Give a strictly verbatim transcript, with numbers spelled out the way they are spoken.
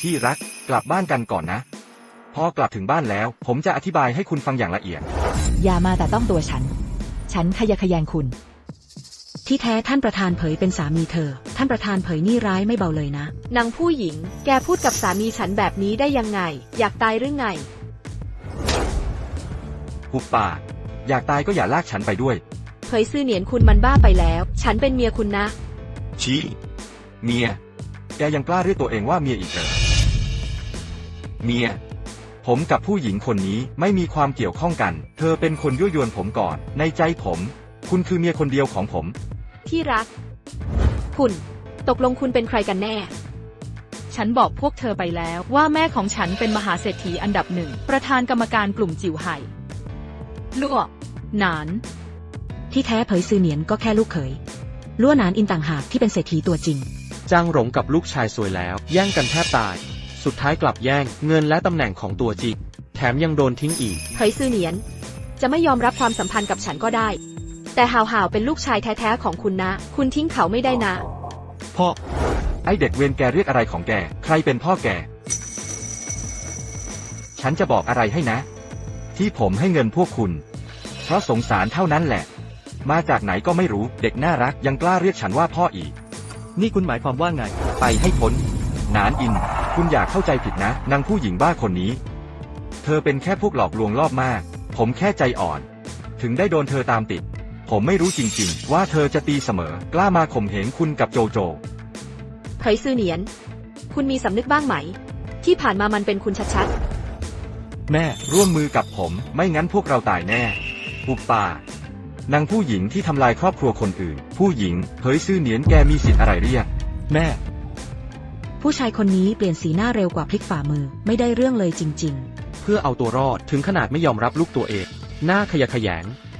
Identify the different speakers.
Speaker 1: ที่รักกลับบ้านกันก่อนนะพอกลับถึงบ้านแล้วผมจะอธิบายให้คุณฟังอย่างละเอียด
Speaker 2: อย่ามาแต่ต้องตัวฉันฉันขยะแขยงคุณที่แท้ท่านประธานเผยเป็นสามีเธอท่านประธานเผยนี่ร้ายไม่เบาเลยนะ
Speaker 3: นางผู้หญิงแกพูดกับสามีฉันแบบนี้ได้ยังไงอยากตายหรือไง
Speaker 1: หุบปากอยากตายก็อย่าลากฉันไปด้วย
Speaker 3: เผยซื่อเหนียนคุณมันบ้าไปแล้วฉันเป็นเมียคุณนะ
Speaker 1: ชี้เมียแกยังกล้าเรียกตัวเองว่าเมียอีกเหรอเมียผมกับผู้หญิงคนนี้ไม่มีความเกี่ยวข้องกันเธอเป็นคนยั่วยวนผมก่อนในใจผมคุณคือเมียคนเดียวของผม
Speaker 3: ที่รักคุณตกลงคุณเป็นใครกันแน่
Speaker 4: ฉันบอกพวกเธอไปแล้วว่าแม่ของฉันเป็นมหาเศรษฐีอันดับหนึ่งประธานกรรมการกลุ่มจิ๋วไห่ลั่วหนาน
Speaker 2: ที่แท้เผยซือเหนียนก็แค่ลูกเขยลั่วหนานอินต่างหากที่เป็นเศรษฐีตัวจริง
Speaker 5: จางหลงกับลูกชายสวยแล้วแย่งกันแทบตายสุดท้ายกลับแย่งเงินและตำแหน่งของตัวจริงแถมยังโดนทิ้งอีก
Speaker 3: เผยซือเหนียนจะไม่ยอมรับความสัมพันธ์กับฉันก็ได้แต่ห่าวห่าวเป็นลูกชายแท้ๆของคุณนะคุณทิ้งเขาไม่ได้นะ
Speaker 1: พ่อไอเด็กเวรแกเรียกอะไรของแกใครเป็นพ่อแกฉันจะบอกอะไรให้นะที่ผมให้เงินพวกคุณเพราะสงสารเท่านั้นแหละมาจากไหนก็ไม่รู้เด็กน่ารักยังกล้าเรียกฉันว่าพ่ออีก
Speaker 5: นี่คุณหมายความว่าไง
Speaker 1: ไปให้พ้นหนานอินคุณอย่าเข้าใจผิดนะนางผู้หญิงบ้าคนนี้เธอเป็นแค่พวกหลอกลวงล่อมากผมแค่ใจอ่อนถึงได้โดนเธอตามติดผมไม่รู้จริงๆว่าเธอจะตีเสมอกล้ามาข่มเหงคุณกับโจโจ
Speaker 3: เผยซือเหนียนคุณมีสำนึกบ้างไหมที่ผ่านมามันเป็นคุณชัด
Speaker 1: ๆแม่ร่วมมือกับผมไม่งั้นพวกเราตายแน่ปุบป่านางผู้หญิงที่ทำลายครอบครัวคนอื่นผู้หญิงเผยซือเหนียนแกมีสิทธิ์อะไรเรียกแม่
Speaker 2: ผู้ชายคนนี้เปลี่ยนสีหน้าเร็วกว่าพลิกฝ่ามือไม่ได้เรื่องเลยจริงๆ
Speaker 5: เพื่อเอาตัวรอดถึงขนาดไม่ยอมรับลูกตัวเองหน้าขยะแขยง